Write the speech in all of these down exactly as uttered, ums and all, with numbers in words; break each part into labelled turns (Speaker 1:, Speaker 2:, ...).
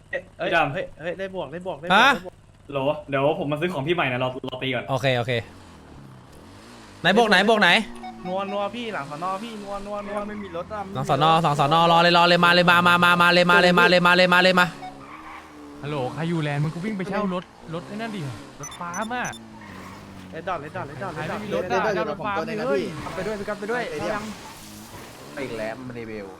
Speaker 1: เฮ้ยดำเฮ้ยเฮ้ยได้บวกได้บวกได้บวก
Speaker 2: ฮะ
Speaker 1: ได้บวกโหลเดี๋ยวผมมาซื้อของพี่ใหม่นะเราเราตีก่อน
Speaker 2: โอเคโอเคไหนบวกไหนบวกไหน
Speaker 1: นัวนัวพี่หลังสอนอพี่นัวนัวนัวไม่มีรถอะ
Speaker 2: สองสอนอสองสอนอรอเลยรอเลยมาเลยมามามามาเลยมาเลยมาเลยมาเลยมาเลยมา
Speaker 3: ฮัลโหลใครอยู่แลนด์มึงก็วิ่งไปเช่ารถรถไอ้นั่นดิรถฟ้ามา
Speaker 1: เลดดอทเลดดอทเลดดอท
Speaker 3: ใคร
Speaker 1: เลดดอ
Speaker 3: ไม่
Speaker 1: ท
Speaker 3: มีรถอะเช่ารถฟ้าไปเลยไปด้วยไปกันไปด้วยเอายัง
Speaker 4: ไปอีกแล้วมันรีวิว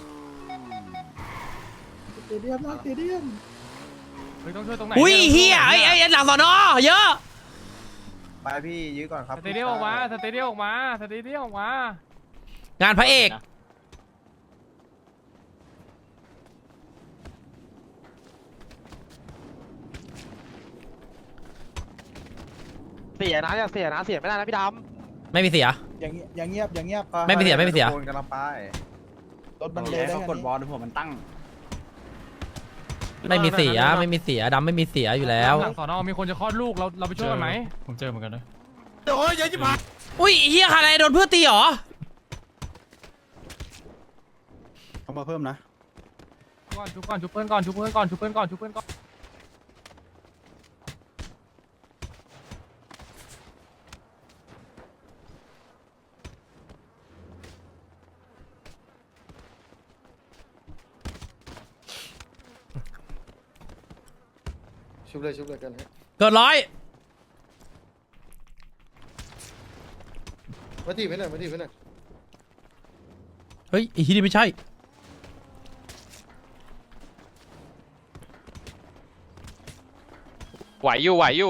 Speaker 5: สเตเดียมนะสเตเดียม
Speaker 3: เฮ้ยต้องช่วยตรงไหน
Speaker 2: อุ้ยเฮียไอ้ไอ้หลังสอนอเยอะ
Speaker 4: ไปพี่ยื้อก่อนครับ
Speaker 3: สเตเดียมออกมาสเตเดียมออกมาสเตเดียมออกมาง
Speaker 2: านพระเอก
Speaker 6: เสียนะอย่าเสียนะเสียไม่ได้นะพี่ด
Speaker 2: ไม่มีเสีย
Speaker 5: อย่างเงียบอย่างเงียบอย่างเงียบ
Speaker 2: ไม่มีเสียไม่มีเสีย
Speaker 4: โดนกำลังไป
Speaker 5: รถมันเลยได้
Speaker 4: เขา
Speaker 5: แค่
Speaker 4: กด
Speaker 5: นี้
Speaker 4: บอลหัวมันตั้ง
Speaker 2: ไม่มีเสียไม่มีเสียดำไม่มีเสียอยู่แล้ว
Speaker 3: หลังสอนอมีคนจะคลอดลูกเราเราไปช่วยกันไหม
Speaker 7: ผมเจอเหมือนกันนะ
Speaker 4: โอ้ยเยอะจิ๋ว
Speaker 2: อุ้ยเฮียอะไรโดนเพื่อนตีเหรอ
Speaker 5: เขามาเพิ่มนะ
Speaker 3: ก่อนชุบก่อนชุบเพื่อนก่อนชุบเพื่อนก่อนชุบเพื่อนก่อนชุบเพื่อนก่อน
Speaker 4: ชุบเลยชุบเลยกันฮะ
Speaker 2: เกิดร้อย
Speaker 4: มาทีไปหน่อยมาทีไปหน่อย
Speaker 2: เฮ้ยไอ้ที่นี่ไม่ใช่
Speaker 6: ำไหวอยู่ไหวอยู่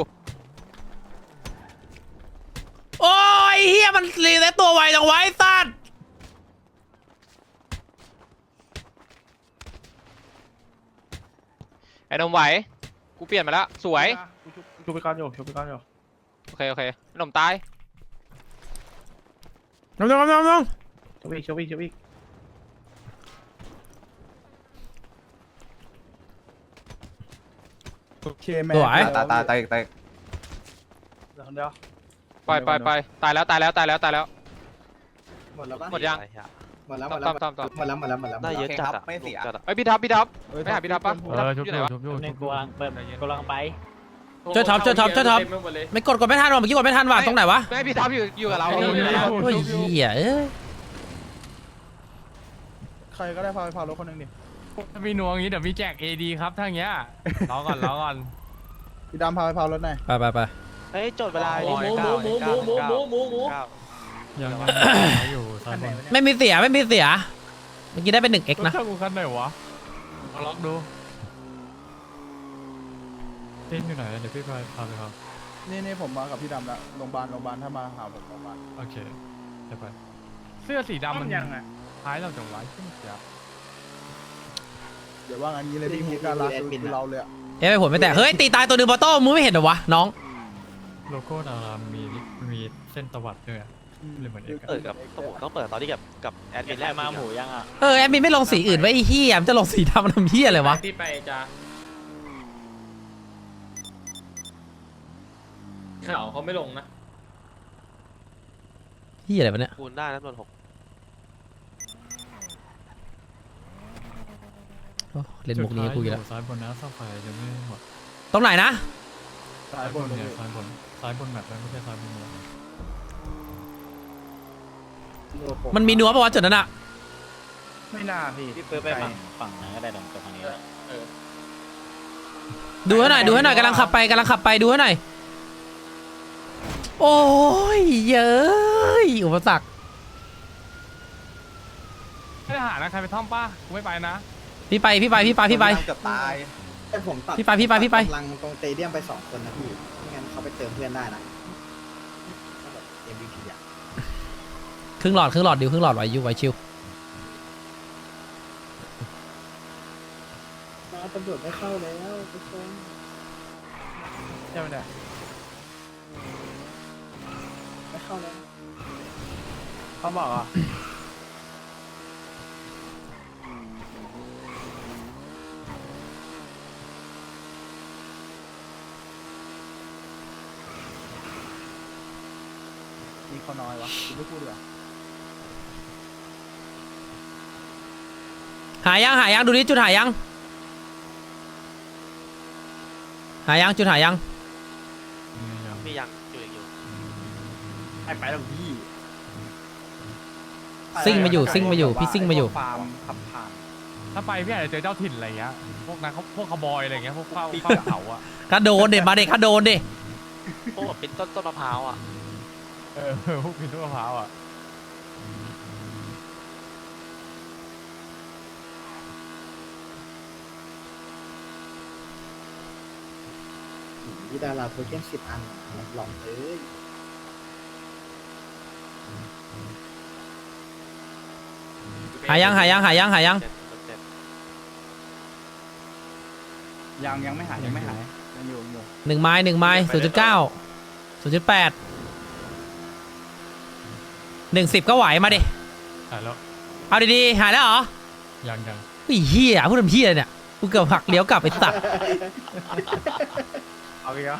Speaker 2: โอ้ยเฮียมันรีเซ็ตตัวไวจังไวะไอ้สัตว์
Speaker 6: ไอ้นมไหวกูเปลี่ยนมาแล้วสวย
Speaker 1: ชุบชุบไปก่อนอยู่ชุบไปก่อนอยู่
Speaker 6: โอเคโอเคไอ้นมตาย
Speaker 2: น้องน้องน้องน้อง
Speaker 1: ชุบอีกชุบอีกชุบอีก
Speaker 5: โอเคแม่
Speaker 2: สวย
Speaker 4: ตายตายตายตาย
Speaker 1: เดี๋ยวคนเดียว
Speaker 6: ไปไปไปตายแล้วตายแล้วตายแล้วตายแล้ว
Speaker 5: หมดแล้วปะ
Speaker 6: หมดยัง
Speaker 5: หมดแล้วห
Speaker 6: ต้
Speaker 5: ม
Speaker 6: อ
Speaker 5: ด
Speaker 6: ม
Speaker 5: แล้ว
Speaker 6: ต้อมต้อม
Speaker 5: หมดแล้วหมดแล้วหมดแล้ว
Speaker 6: ได้เยอะจัด
Speaker 4: ไม่เสีย
Speaker 6: ไอ้ยพี่ทับพี่ทับไม่หาพี่ทับปะ
Speaker 3: เออชุบ
Speaker 6: อยู่
Speaker 3: อ
Speaker 6: ไหน
Speaker 3: ยู่
Speaker 6: วะ
Speaker 3: ชุบอยู่
Speaker 1: ในกูกำลังเปิดกูกำลังไป
Speaker 2: ช่วยท็อปช่วยท็อปช่วยท็อปไม่กดกดไม่ทันว่ะเมื่อกี้กดไม่ทันว่ะตรงไหนวะ
Speaker 6: ไม่พี่ทับอยู่อยู่กับเรา
Speaker 3: อยู่
Speaker 6: อยู่กับเรา
Speaker 2: โอ้ยเฮียเอ้ย
Speaker 5: ใครก็ได้พาไปพารถคนหนึ่งดิ
Speaker 3: ถ้ามีนัวอย่างนี้เดี๋ยวมีแจก เอ ดี ครับถ้าอย่างเงี้ยรอก่อนรอก่อน
Speaker 5: พี่ดำพาไปพารถหน่อย
Speaker 2: ไปไปไป
Speaker 6: เฮ้ยจดเวลา
Speaker 3: หมูหมูหมูหมูหมูหมูหมูหมู
Speaker 7: ยังอยู่ซ้ายบน
Speaker 2: ไม่มีเสียไม่มีเสียเมื่อกี้ได้เป็นหนึ่งเอ็ก
Speaker 3: รถ
Speaker 2: นะ
Speaker 3: ช่างกูคันไหนวะเอาล็อกดู
Speaker 7: เต้นอยู่ไหนเดี๋ยวพี่พาพาไปครับ
Speaker 5: นี่นี่ผมมากับพี่ดำแล้วโรงพยาบาลโรงพยาบาลถ้ามาหาผมโรงพยาบาล
Speaker 7: โอเคเดี๋ยวไป
Speaker 3: เสื้อสีดำ
Speaker 1: มั
Speaker 3: มัน น
Speaker 1: ยังไง
Speaker 3: คล้ายเราจังหวะขึ้นเสีย
Speaker 5: เดี๋ยวว่างั้นนี้เลยพี่มีการรักคือเราเลยอะ
Speaker 2: เอ้ยผลไม่แตกเฮ้ยตีตายตัวหนึ่งบอโต้มึงไม่เห็นเหรอวะน้อง
Speaker 7: โลโก้ดารามมีมีเส้นตวัดด้วยอะเลยเหมือนเอก
Speaker 6: เปิดกับต้องต้องเปิดตอนที่กับกับแอดมินแรกมาหมูยังอ่ะ
Speaker 2: เออแอดมินไม่ลงสีอื่นไว้ไอ้เฮียมันจะลงสีดำทำเฮียอะไรวะ
Speaker 1: ที่ไปจ้าข่าวเขาไม่ลงนะ
Speaker 2: เฮียอะไรวะเนี่ย
Speaker 6: คูณได้นะนนหก
Speaker 2: โอ้เล่นมุกนี้กูอีกแล้ว
Speaker 7: ซ้ายบนนะซ่อมไฟยังไม่หมด
Speaker 2: ตรงไหนนะ
Speaker 5: ซ้ายบน
Speaker 7: เนี่ยซ้ายบนซ้ายบนแมปแล้วไม่ใช่ซ้ายบนเมือง
Speaker 2: มันมีนัวปะวะจุดนั้นอะ
Speaker 1: ไม่น่าพี่
Speaker 6: พี่เปิดไปฝั่งฝั่งนั้นก็ได้ตรงตรงนี้
Speaker 2: ดูให้หน่อยดูให้หน่อยกำลังขับไปกำลังขับไปดูให้หน่อยโอ้ยเย้ยอุปสรรค
Speaker 3: ไม่ได้หานะใครไปท่อมป้ากูไม่ไปนะ
Speaker 2: พี่ไปพี่ไปพี่ไปพี่ไป
Speaker 4: เกือบตาย
Speaker 5: แต่ผมตัด
Speaker 2: พี่ไปพี่ไปพี่ไป
Speaker 5: กำลังตรงสเตเดียมไปสองคนนะพี่ไม่งั้นเขาไปเติมเพื่อนได้นะแบบ เอ็ม วี พี อ่ะ
Speaker 2: ครึ่งหลอดครึ่งหลอดดิวครึ่งหลอดไว้ยูไว้ชิว
Speaker 5: มาตำรวจไม่เข้าแล้วทุกคน
Speaker 1: ใช่ไหมเนี่ย
Speaker 5: ไม่เข้าแล้ว
Speaker 1: เขาบอกอ่ะ
Speaker 5: มีเขาน้อยวะคุณไม่พูดดีกว่า
Speaker 2: หายังหายังดูดิจุดหายังหายังจุดหายัง
Speaker 6: มียังอยู่อยู่
Speaker 5: ไปไปแล้วพี่
Speaker 2: ซิ่งมาอยู่ซิ่งมาอยู่พี่ซิ่งมาอยู่
Speaker 1: ฟาร์มขับผ่าน
Speaker 3: ถ้าไปพี่อาจจะเจอเจ้าถิ่นอะไรเงี้ยพวกนักพวกขบอยอะไรเงี้ยพวกเฝ้าเฝ้าเขาอ่ะ
Speaker 2: กระโดนเด็ดมาเด็กกระโดนดิ
Speaker 6: พวกแบบเป็นต้นต้นมะพร้าวอ่ะ
Speaker 3: เออพวกพินทุกมะพร้าวอ่ะ
Speaker 5: พี่ดาราโทเค็นสิบอันหลอกเลย
Speaker 2: หายังหายังหายังหายัง
Speaker 6: เจ็ดเจ็ด
Speaker 1: ยังยังไม่หายยังไม่หายยังอยู่อยู่
Speaker 2: หนึ่งไม้หนึ่งไม้ศูนย์จุดเก้าศูนย์จุดแปดหนึ่งสิบก็ไหวมาดิ
Speaker 3: หายแล้ว
Speaker 2: เอาดีๆหายแล้วเหรอ
Speaker 3: ยังยัง
Speaker 2: ไอ้เหี้ยพูดทำเหี้ยเนี่ยกูเกือบหักเลี้ยวกลับไปสัตว์
Speaker 1: เอาอีกแล้ว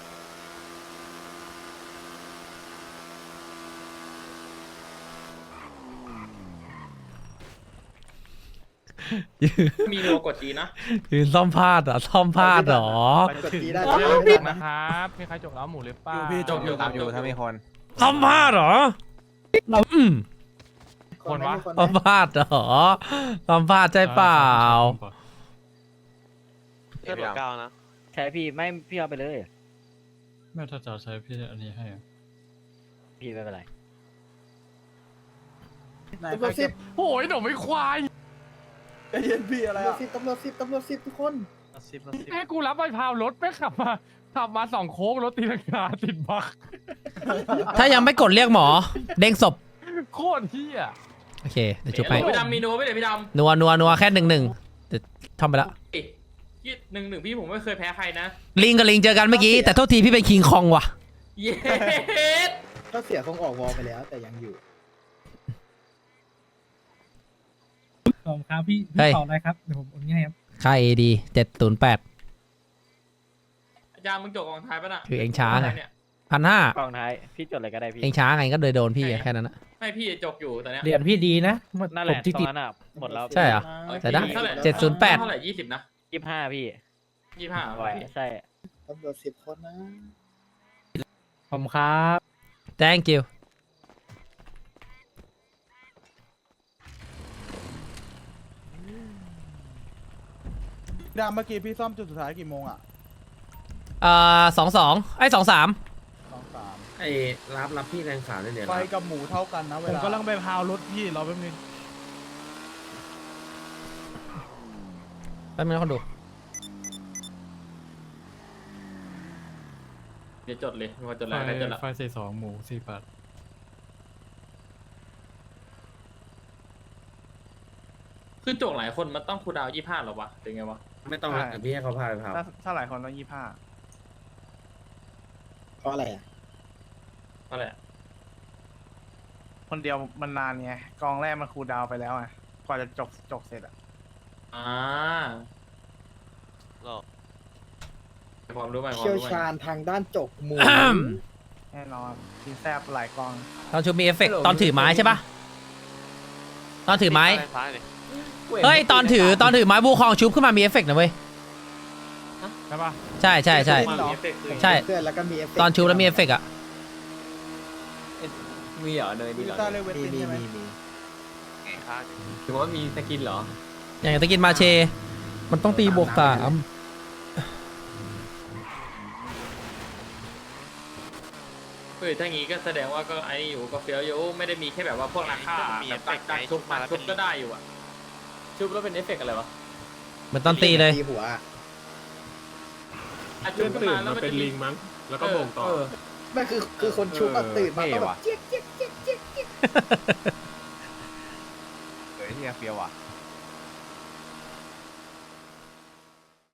Speaker 8: มีโลกดจีนะ
Speaker 2: ยืนซ่อมพลาดเหรอซ่อมพลาดเหรอ
Speaker 5: กดตีได้
Speaker 3: จบนะครับมีใครจบแล้วหมูหรือเปล่า
Speaker 8: จบอยู่ครับอยู่ถ้ามีคน
Speaker 2: ซ่อมพลาดเหรออืม
Speaker 3: คนวะ
Speaker 2: ซ่อมพลาดเหรอซ่อมพลาดใช่เปล่า
Speaker 6: เพื่อนหัวเก้านะ
Speaker 9: ใช่พี่ไม่พี่เอาไปเลย
Speaker 7: แม่ถ้าจะใช้พี่อันนี้ให้อะ
Speaker 9: พี่ไม่เป็นไร
Speaker 5: ตำรวจสิบ
Speaker 3: โอ้ยหนูไม่ควาย
Speaker 5: ตำรวจสิบตำรวจสิบตำรวจสิบทุกคน
Speaker 1: สิบสิบ
Speaker 3: แค่กูรับใบพาวรถไม่ขับมาขับมาสองโค้งรถตีลังกาติดบัก
Speaker 2: ถ้ายังไม่กดเรียกหมอ เด้งศพ
Speaker 3: โคตรเที่ย
Speaker 2: โอเคเดี๋ยวจุบไป
Speaker 8: พี่ดำมีนัวไม่เดี๋ยวพี่ดำ
Speaker 2: นัวนัวนัวแค่หนึ่งหนึ่งเดี๋ยวทำไปแล้ว
Speaker 8: ยี่หนึ่งหนึ่งพี่ผมไม่เคยแพ้ใครนะ
Speaker 2: ลิงกับลิงเจอกันเมื่อกี้แต่โทษทีพี่เป็นคิงคองว่ะ
Speaker 8: เย้
Speaker 5: ก็เสียคงออกวอลไปแล้วแต่ยังอยู่
Speaker 10: ขอบครับพี่
Speaker 2: เฮ้ย
Speaker 10: ต่อได้ครับเดี๋ยวผมโอนให้ครับ
Speaker 2: ค่าเอดีเจ็ดศูนย์แปด
Speaker 8: อาจารย์มึงจบกองท้ายป่ะน่ะ
Speaker 2: คือเองช้าไง
Speaker 8: เนี่ย
Speaker 2: พันห้าก
Speaker 9: องท้ายพี่จดอะไรก็ได้พี่
Speaker 2: เองช้าไงก็เลยโดนพี่แค่นั้นนะ
Speaker 8: ไม่พี่จบอยู่ตอนเนี้ย
Speaker 10: เหรียญพี่ดีนะ
Speaker 9: นั่นแหละ
Speaker 10: ผมที่
Speaker 9: ตร
Speaker 10: ติ
Speaker 9: ง
Speaker 10: ด
Speaker 9: นั้นอ่ะหมดแล้ว
Speaker 2: ใช่เหรอ แต่ได้
Speaker 8: ท่าหร่
Speaker 2: เจ็ดศูนย์แปด
Speaker 8: เท่าไหร่ยี่สิบนะ
Speaker 9: ยี่สิบห้าพี่
Speaker 8: ยี่ห้า
Speaker 9: ไหวใช่
Speaker 5: ตำรวจสิบคนนะ
Speaker 10: ผมครับ
Speaker 2: thank you
Speaker 1: ดามเมื่อกี้พี่ซ่อมจุดสุดท้ายกี่โมงอ่ะ
Speaker 2: เอ่อสองสองไอ้สองสาม
Speaker 1: สองสาม
Speaker 8: ไอ้รับรับพี่แรงสารด้วยเนี่ย
Speaker 1: ไฟกับหมูเท่ากันนะเว
Speaker 10: ผม
Speaker 1: ลา
Speaker 10: กำลังไปพาวรถพี่รอแป๊บนึง
Speaker 2: แป๊บนึงนะคนดู
Speaker 8: เดี๋ยวจดเลยมีคนจด
Speaker 7: ไฟ
Speaker 8: แล้วใครจดละ
Speaker 7: ไฟสี่สองหมูสี่แปด
Speaker 8: คือจบหลายคนมันต้องคูลดาวน์ยี่ห้าหรอวะเป็นไงวะ
Speaker 1: ไม่ต้องแต่พี่ให้เขาพาไปพาถ้าถ้าหลายคนต้องยี่ห้า
Speaker 5: เพราะอะไรอ่ะ
Speaker 8: อะไรอะ
Speaker 1: คนเดียวมันนานไงกองแรกมันคูลดาวน์ไปแล้วไงกว่าจะจบจบเสร็จอ่ะ
Speaker 8: อ่า
Speaker 6: หรอ
Speaker 8: ความรู้ใหม่ความ
Speaker 5: เชี่ยว
Speaker 8: รู้ใหม่
Speaker 5: ชาญทางด้านจกหมู
Speaker 1: แน่นอนทีแซบหลายกอง
Speaker 2: ตอนชูมีเอฟเฟกต์ตอนถือไม้ใช่ปะตอนถือไม้
Speaker 6: ซ้ายดิ
Speaker 2: เฮ้ยตอนถือตอนถือไม้บูคองชุบขึ้นมามีเอฟเฟกต์นะเว้ย
Speaker 3: ใช่ปะ
Speaker 2: ใช่ใช่ใช่
Speaker 8: ความมีเอฟเฟกต์คือ
Speaker 2: ใช่
Speaker 5: เพื่อนแล้วก็มีเอฟเฟกต์
Speaker 2: ตอนชุบแล้วมีเอฟเฟกต์อะ
Speaker 8: มีเหรอเนยมี
Speaker 1: วิ
Speaker 8: เหรอ
Speaker 1: ต้าเลเว
Speaker 5: มี
Speaker 1: ติน
Speaker 5: มี
Speaker 1: ใช่ไหม
Speaker 5: มีมี
Speaker 6: ไงค้าง
Speaker 8: ถือว่ามีสกินเหรอ
Speaker 2: อย่างตะกินมาเช มันต้องตีบวกสาม
Speaker 8: เฮ้ยถ้างี้ก็แสดงว่าก็ไอ้อยู่ก็เฟี้ยวอยู่ไม่ได้มีแค่แบบว่าพวกราคาแบบตักตักชุบมาชุบก็ได้อยู่อะชุบแล้วเป็นเอฟเฟกต์อะไรวะ
Speaker 2: เหมือนตอนตีเลย
Speaker 5: ตีหัวอะ
Speaker 8: อ่ะชุบขึ้นมาแล้วมันเป็นลิงมั้งแล้วก็บ่งต่อ
Speaker 5: ไม่คือคือคนชุบอะตื่นมาต้องแบบเจี๊ยกเจี๊ยกเจี๊ยกเจี๊ยกเจี๊ยก
Speaker 4: เฮ้ยเฮียเฟียวอ่ะ